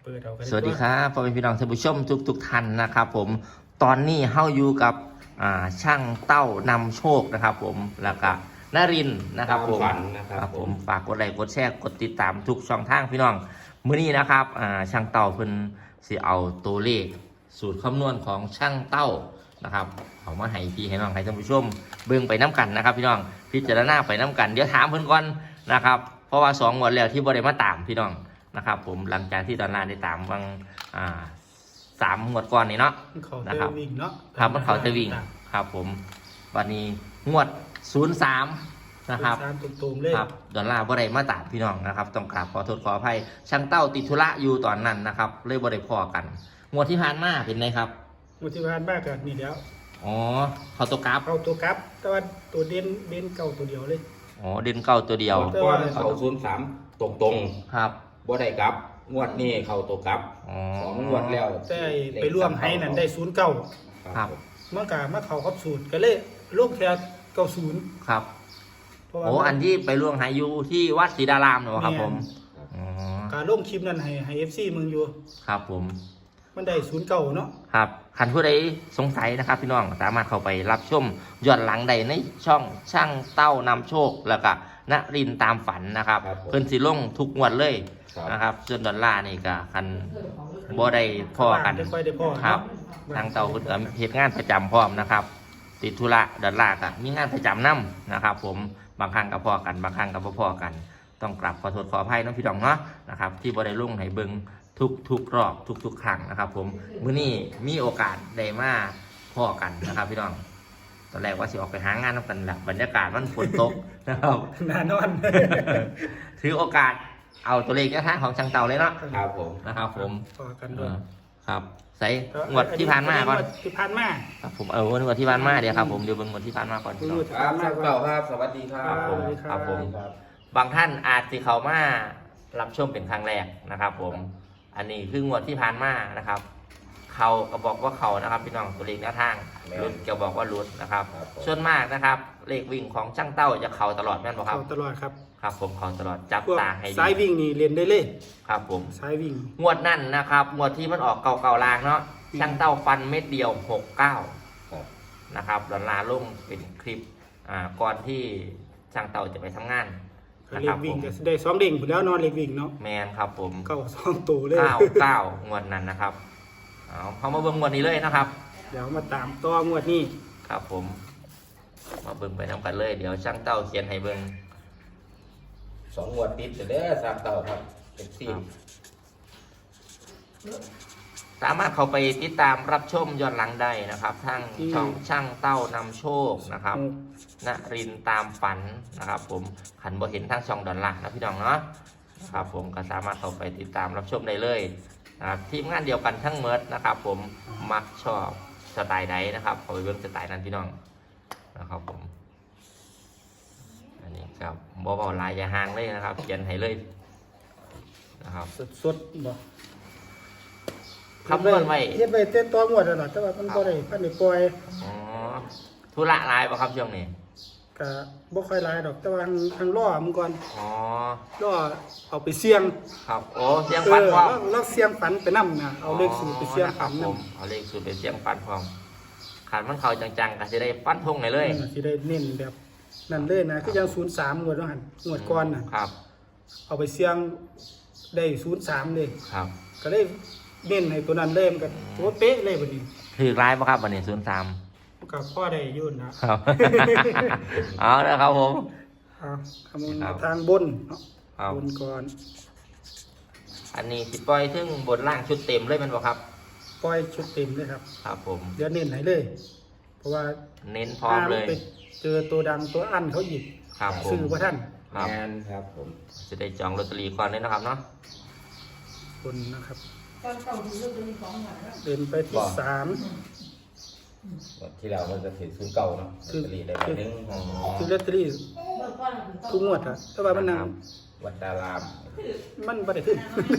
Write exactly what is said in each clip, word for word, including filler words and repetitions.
เปิดเอากันสวัสดีครับพ่อแม่พี่น้องท่านผู้ชมทุกทุกท่านนะครับผมตอนนี้เฮาอยู่กับอ่าช่างเต้านำโชคนะครับผมแล้วก็นรินทร์นะครับผมฝันนะครับผมฝากกดไลค์กดแชร์กดติดตามทุกช่องทางพี่น้องมื้อนี้นะครับอ่าช่างเต้าเพิ่นสิเอาตัวเลขสูตรคำนวณของช่างเต้านะครับเอามาให้พี่ให้น้องให้ท่านผู้ชมเบิ่งไปน้กันนะครับพี่น้องพิจารณาไปน้กันเดี๋ยวถามเพิ่นก่อนนะครับเพราะว่าสองงวดแล้วที่บ่ได้มาตามพี่น้องนะครับผมหลังจากที่ตอนนั้นได้ตามบางอ่าสามงวดก่อนนี่เนาะเขานะเตครับวิ่งเนาะครับมันเขาจะวิ่งครับผมวันนี้งวดศูนย์สามนะครับสามตุ่มๆเลยครับดอลลาร์บ่ได้มาตามพี่น้องนะครับต้องกราบขอโทษขออภัยช่างเต้าติดธุระอยู่ตอนนั้นนะครับเลยบ่ได้พอกันงวดที่ผ่านมาเป็นไงครับมุทิพานบ้ากันนี่แล้วอ๋อเขาตัวกราฟเอาตัวกลับ แต่ว่าตัวเด่นเด่นเก่าตัวเดียวเลยอ๋อเด่นเก้าตัวเดียวแต่ก้อว่านเขาศูนย์สามตรงตรงครับๆบ่ได้กลับ งวดนี้เขาตัวกลับอ๋อสองงวดแล้วแต่ไปร่วมให้นั่นได้ศูนย์เก้าครับเมื่อกามาเขาครับสูตรก็เลยลูกแค่เก้าศูนย์ครับเพราะว่าโอ้อันที่ไปล่วงหายุที่วัดศรีดารามเนอะครับผมอ๋อการลงคลิปนั้นให้ให้เอฟซีมึงอยู่ครับผมมันได้ศูนย์เก้าเนาะครับคันผู้ใดสงสัยนะครับพี่น้องสามารถเข้าไปรับชมย้อนหลังใดในช่องช่างเต้านำโชคแล้วก็นรินทร์ตามฝันนะครับครับผมเพิ่นสิลงทุกงวดเลยครับนะครับส่วนดอลลาร์นี่ก็คันบ่ได้พ่อกันได้ค่อยได้พ่อครับเนาะทางเต้าเพิ่นก็เฮ็ดงานประจำพร้อมนะครับ ติดธุระดอลลาร์ก็มีงานประจำนํนะครับ ผมบางครั้งก็พอกันบางครั้งก็บ่พอกัน ต้องกราบขอโทษขออภัยเน้องพี่น้องเนาะนะครับที่บ่ได้ลงให้เบิ่งทุกทุกรอบทุกทุกครั้งนะครับ ผมมื้อนี้มีโอกาสได้มาพอกันนะครับพี่น้องตอนแรกว่าสิออกไปหางานนำกันแหละบรรยากาศมันฝนตก นะครับนานอนถือโอกาสเอาตัวเลขแนวทางของช่างเต่าเลยเนาะครับผมนะครับ ผมพอกันเอด้วยอครับใส่งวดที่ผ่านมาก่อนที่ผ่านมาครับผมเอองวดที่ผ่านมาเดี๋ยวครับผมเดี๋ยวเบิ่งงวดที่ผ่านมาก่อนพี่น้องครับช่างเต่าครับ สวัสดีครับผมสวัสดีครับครับผม บางท่านอาจสิเขามารับชมเป็นครั้งแรกนะครับ ผม อันนี้คืองวดที่ผ่านมานะครับ เขาก็บอกว่าเขานะครับพี่น้องตัวเลขแนวทางรุดก็บอกว่ารุดนะครับครับผมส่วนมากนะครับ เลขวิ่งของช่างเต้าจะเขาตลอดแม่นบ่ครัเขาบตลอดครับครับ ผมเขาตลอดจับพวกตาให้ดีสายวิ่งนี่เรียนได้เลยครับ ผมสายวิ่งงวดนั่นนะครับงวดที่มันออกเก่าเก่าลางเนาะช่างเต้าฟันเม็ดเดียวหกเก้าครับนะครับดอลลาร์ลงเป็นคลิปอ่าก่อนที่ช่างเต้าจะไปทำงานนะเรีคยรักบวิ่ผงมก็ได้สองเด้งอยู่แล้วนอนเรียกวิ่งเนาะแมนครับผมเก้าสองตัวเลยเก้าเก้างวดนั้นนะครับเอาเขามาเบิ่งงวดนี้เลยนะครับเดี๋ยวมาตามต่องวดนี้ครับผม มาเบิ่งไปน้ำกันเลย เดี๋ยวช่างเต้าเขียนให้เบิ่งสองงวดติดเด้อช่างเต่าครับเป็นสี่สามารถเข้าไปติดตามรับชมย้อนหลังได้นะครับทางช่องช่างเต้านำโชคนะครับนรินทร์ตามฝันนะครับ ผมขันบ่เห็นทางช่องดอนหลักนะพี่น้องเนาะนะครับผมก็สามารถเข้าไปติดตามรับชมได้เลยนะครับทีมงานเดียวกันทั้งเมิดนะครับ ผมมักชอบสไตล์ใดนะครับเข้าไปเบิ่งสไตล์นั้นพี่น้องนะครับผมอันนี้ครับบ่เบาลายอย่าห่างเลยนะครับเขียนให้เลยนะครับสดๆบ่คำนวณไว้เฮ็ดไว้เต้นต่องวดแล้วล่ะแต่ว่ามันบ่ได้พันได้ปล่อยอ๋อธุระหลายป่ะครับช่วงนี้ก็บ่ค่อยหลายดอกแต่ว่าทางทางล่อมันก่อนอ๋อล่อเอาไปเสี่ยงครับโอ้เสียงเอฟันอพร้อมแล้วแล้วเสี่ยงฝันไปนำนะเอาเลขสูตรไปเสี่ยงฝันผนำมเอาเลขสูตรไปเสียงฟันพร้อมขันมันเขาจังๆก็จะได้ฟันทงเลยเลยนั่นน่ะสิได้เน้นแบบนั่นเลยนะคือยังศูนย์สามงวดว่าหั่นงวดก่อนน่ะครับเอาไปเสี่ยงได้ศูนย์สามเลยครับก็เลยเน้นให้ตัวนั้นเล่มนกันตัวเป๊ะเลยบัดนี้ถือร้ายป่ะครับวันนี้ศูนย์สามก็พ่อได้อยุ่นนะครับเอาละครับผมเอาคำนวณครับทางบนเนาะครับบนก่อนอันนี้สิปล่อยถึงบนล่างชุดเต็มเลยแมันบ่ครับปล่อยชุดเต็มเลยครับครับผมเดี๋ยวเน้นให้เลย เพราะว่าเน้นพร้อมเลยไปเจอตัวดังตัวอั้นเขาหยิบครับผมซื้อว่าท่านครับงานครับผมจะได้จองลอตเตอรี่ก่อนเลยนะครับเนาะบนนะครับตอนเก่าดูเรื่องเป็นของหวานแล้วเดินไปที่สามงวดที่แล้วมันจะถือศูนย์เก่าเนาะลอตเตอรี่ได้ใบหนึงอ๋อซื้อลอตเตอรี่เมื่อก่อนทุกงวดอะแต่ว่ามันนางวัดดารามมันไม่ได้ขึ้น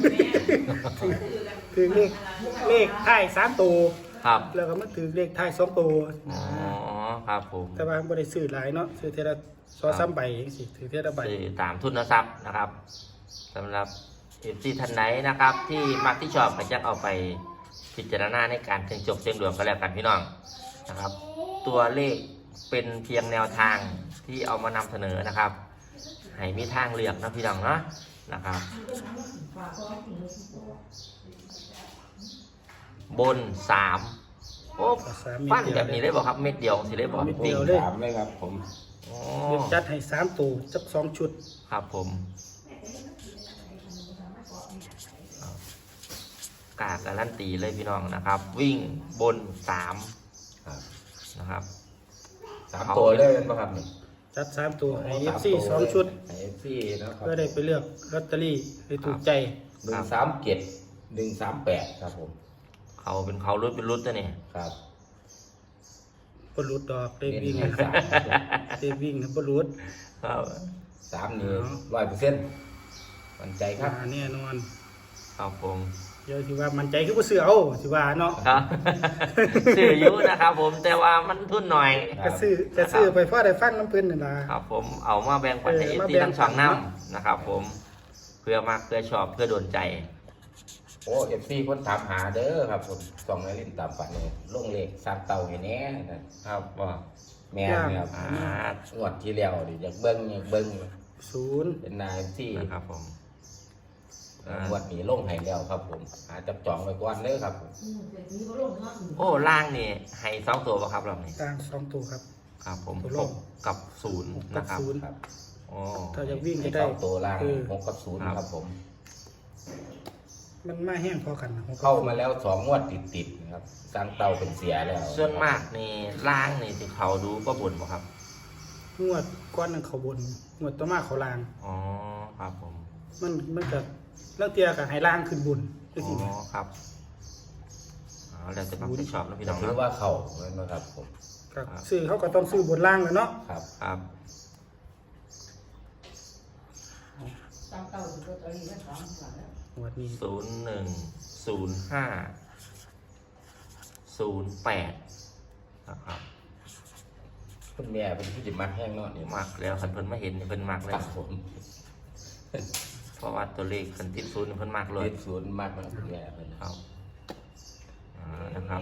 ถือเลขเลขท้ายสามตัวครับแล้วก็มันถือเลขท้ายสองตัวอ๋อครับผมแต่ว่าไม่ได้ซื้อหลายเนาะซื้อเทละซอสามใบเองสิถือเทละใบซื้อตามทุนทรัพย์นะครับสำหรับเอฟซีท่านไหนนะครับ ที่มักที่ชอบก็จะเอาไปพิจารณาในการเสี่ยงโชคเสี่ยงดวงก็แล้วกันพี่น้องนะครับ ตัวเลขเป็นเพียงแนวทางที่เอามานำเสนอนะครับ ให้มีทางเลือกนะพี่น้องเนาะนะครับ บนสามโอ้สามเม็ฟัดนเดียวแบบนี้เลยบอกครับเม็ดเดียวสิเลยบอกเม็ดวิ่เดีงยวเลยสามเลยครับผมโอ้เดี๋ยวจัดให้สามตัวจักสองชุดครับผมกาการันตีเลยพี่น้องนะครับ วิ่งบนสามครับนะครับสามตัวเลยนะครับนี่จัดสามตัวให้ เอฟ ซี สองชุดให้ เอฟ ซีนะครับเพื่อได้ไปเลือกลอตเตอรี่ให้ถูกใจหนึ่งสามเจ็ดหนึ่งสามแปดครับผมเขาเป็นเขารุดเป็นรุดตัวนี่ครับบรุษดอกได้เน้นวิ่งให้สามได้วิ่งนะบรุษครับสามนี่ร้อยเปอร์เซ็นต์มั่นใจครับมาแน่นอนครับผมเดี๋ยวสิว่ามันใจคือบ่ซื้อเอาสิว่าเนาะครับ ซื้ออยุนะครับ ผมแต่ว่ามันทุนหน่อยก็ซื้อก็ซื้อไปพอได้ฟังน้ำเพิ่นนั่นล่ะครับผมเอามาแบ่งปันให้เอเออฟมาซีแบ่งทั้งสองปันน้เนาะำนะครับ ผมเพื่อมากเพื่อชอบเพื่อโดนใจโอ้เอฟซีคนถามหาเด้อครับผมส่องในลิ้นตามฝันเนี่ยลงเลขสามเต่าให้แน่นะครับว่าแม่นครับอ่างวดที่แล้วดิอยากเบิ้งอยากเบิ้งศูนย์เป็นนายที่นะครับผมอ่างวดนี้ลงให้แล้วครับผมหาจับจองไว้ก่อนเด้อครับผมโอ้ล่างนี่ให้สองตัวป่ะครับเรานี่กลางสองตัวครับครับผมตัวหล่างกกับศูนย์หกกันะบครับศูนย์ครับโอ้ถ้าจะวิ่งให้จะได้เข้าตัวล่างเออหกกับศูนย์ครับครับผมมันมาแห้งพอกันหกกับเข้ามาแล้วสองงวดติดๆนะครับสร้างเต่าเป็นเสียแล้วส่วนมากนี่ล่างนี่ที่เขาดูก็บ่นป่ะครับงวดก้อนหนึงเขาบนงวดต่อมาเขาลางอ๋อครับผมมันมันก็เรื่องเตียกับให้ล่างขึ้นบุญจังอ๋ซี่นะอครับอ๋อแล้วจะต้องไปชอบนะพี่น้องถือเนาะว่าเข้านะครับผมก็ซื้อเขาก็ต้องซื้อบนล่างแหล้วเนาะครับครับตามเต่าถึงตัวนี้ก็สองหลังแล้วงวดนี้ศูนย์หนึ่งศูนย์ห้าศูนย์แปดนะครับคุณแม่เป็นผู้จิตมักแห้งเนาะนี่มักแล้วคันเพิ่นมาเห็นนี่เพิ่นมักคแล้รัวบผมเพราะว่าตัวเลขคันติดศูนย์นี่เพิ่นมักเลยติดศูนย์มากนะครับคุณแม่เป็นครับอ่านะครับ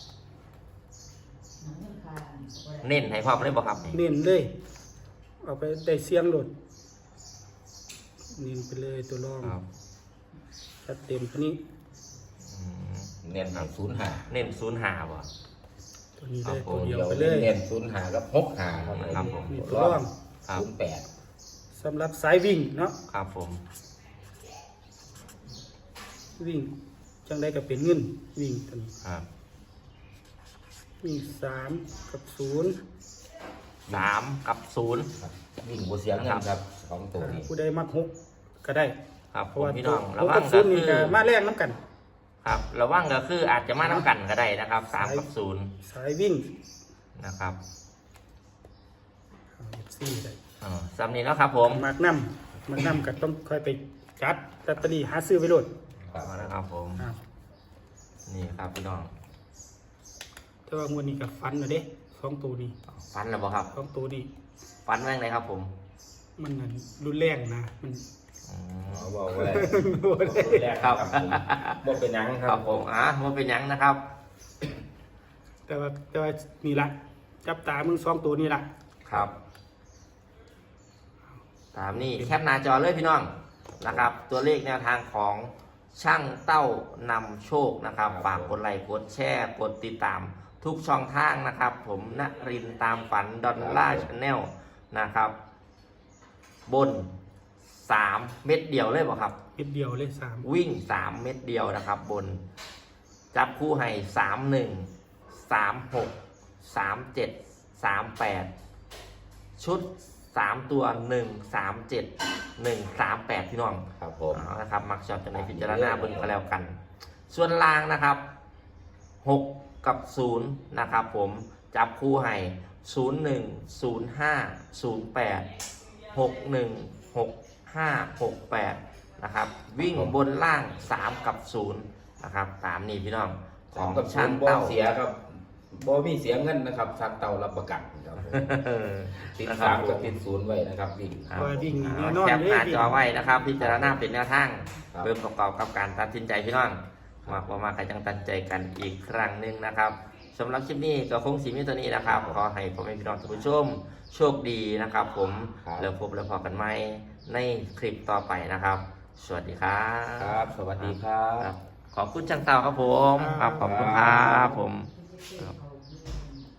หนังมันคาเน้นให้พร้อมเลยบ่ครับนี่เน้นเลย เอาไปได้เสียงโหลดเน้นไปเลยตัวรองครับจัดเต็มตัวนี้อืมเน้นให้ศูนย์หาเน้นศูนย์ห้าบ่ตัวนี้ครัเลบยผมตัวเดียวเดี๋ยวไปเลยเน้นศูนย์หากับหกหาครับครับผมมีตัวรองครับศูนย์แปดสำหรับสายวิ่งเนาะครับผมวิ่งจังได้ก็เป็นเงินวิ่งตัวนี้ครับวิ่งสามกับศูนย์สามกับศูนย์ครับวิ่งบัวเสียงเงินครับสองตัวนี้ผู้ใดมักหกก็ได้ครับเพผราะมว่าพี่ตัน้วองหระกวักังบศูก็นย์คืนี่อก็มาแรงน้ำกันครับระวังก็คืออาจจะมาน้ำกันก็ได้นะครับสามกับศูนย์สายวิ่งนะครับสี่ได้อ๋อสำนี้แล้วครับผมมักนำมักนำก็ต้องค่อยไปจัดลอตเตอรี่หาซื้อไปโหลดครับเอานะครับผมอ้าวนี่ครับพี่น้องแต่ว่างวดนี้กับฟันนะเด้สองตัวนี้ฟันแล้วบ่ครับสองตัวนี้ฟันแม่งเลยครับผมมันนั่นรุนแรงนะมันอืมเอาบอกไว้รุนแรงแรกครับผมบ่เป็นหยังคครัรับบผมอ่ะมันเป็นหยังนะครับแต่ว่าแต่ว่านี่ละจับตามึงสองตัวนี่ละครับ ตามนี้แคปหน้าจอเลยพี่น้องนะครับ ตัวเลขแนวทางของช่างเต้านำโชคนะครับฝากกดไลค์กดแชร์กดติดตามทุกช่องทางนะครับ ผมณรินทร์ตามฝันดอลล่าชาแนลนะครับ บนสามเม็ดเดียวเลยบ่ครับเม็ดเดียวเลยสามวิ่งสามเม็ดเดียวนะครับ บน จับคู่ให้สามหนึ่งสามหกสามเจ็ดสามแปดชุดสามตัวหนึ่งสามเจ็ดหนึ่งสามแปดพี่น้องครับผมเอานะครับ มักชอบจะในพิจารณาเบนก็แล้วกัน ส่วนล่างนะครับหกกับศูนย์นะครับ ผมจับคู่ให้ศูนย์หนึ่งศูนย์ห้าศูนย์แปดหกหนึ่งหกห้าหกแปดนะครับ วิ่งบนล่างสามกับศูนย์นะครับตามนี้พี่น้องขสาอมงกับช่าช่าง งบ่เต้าเสียครับบ่มีเสียเงินนะครับทางเต่ารับประกันครับผมติดสามกับติดศูนย์ไว้นะครับวิ่งครับว่าวิ่งเอาแน่นอนแคปเลยหน้าวิ่งจอไว้นะครับ พิจารณาเป็นแนวทางครับเพื่อประกอบกับการตัดสินใจพี่น้องมาประมาณกันจังตัดใจกันอีกครั้งหนึ่งนะครับสำหรับคลิปนี้ก็คงสีมีตัวนี้นะครับขอให้พ่อแม่พี่น้องท่านผู้ชมโชคดีนะครับ ผมครับแล้วพบแล้วพอกันใหม่ในคลิปต่อไปนะครับ สวัสดีครับครับ สวัสดีครัครับ บขอบคุณช่างเต่าครับผมครับขอบคุณครับผมครับ